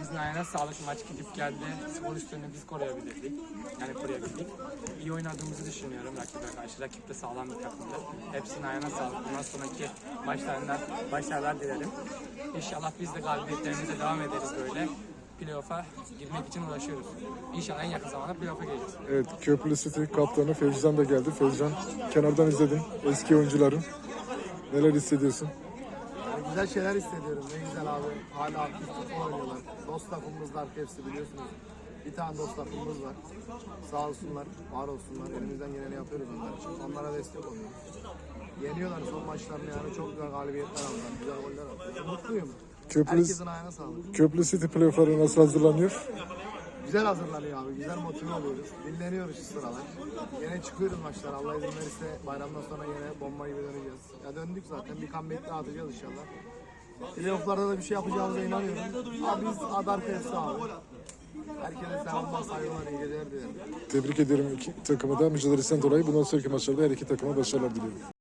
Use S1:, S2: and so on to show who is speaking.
S1: Herkesin ayağına sağlık. Maç gidip geldi. Skor üstünü biz koruyabildik. Yani koruyabildik. İyi oynadığımızı düşünüyorum rakibe karşı. Rakip de sağlam bir takımdı. Hepsinin ayağına sağlık. Bundan sonraki maçlarında başarılar dilerim. İnşallah biz de galibiyetlerimize devam ederiz böyle. Playoff'a girmek için uğraşıyoruz. İnşallah en yakın zamanda playoff'a gireceğiz.
S2: Evet, Köprülü City kaptanı Fevzan da geldi. Fevzan, kenardan izledin eski oyuncuların. Neler hissediyorsun?
S3: Güzel şeyler hissediyorum. Ne güzel abi. Hala aktif futbol oynuyorlar. Dost takımımızlar hepsi biliyorsunuz. Bir tane dost takımımız var. Sağ olsunlar, var olsunlar. Elimizden geleni yapıyoruz onlar için. Onlara destek oluyoruz. Yeniyorlar son maçlarını yani. Çok güzel galibiyetler aldılar. Güzel goller attılar. Mutluyum. Herkesin ayağına sağlık.
S2: Köprülü City playoff'lara nasıl hazırlanıyor?
S3: Güzel hazırlanıyor abi. Güzel motive oluyoruz. Dinleniyoruz şu sıralar. Yine çıkıyoruz maçlar. Allah izin verirse bayramdan sonra yine bomba gibi döneceğiz. Ya döndük zaten. Bir comeback daha atacağız inşallah. Playoff'larda da bir şey yapacağımıza inanıyorum. Abi biz Adar Fesi abi. Herkese selamlar, saygılar, iyi geceler dilerim.
S2: Tebrik ederim iki takımı da mücadelesinden dolayı. Bundan sonraki maçlarda her iki takıma başarılar diliyorum.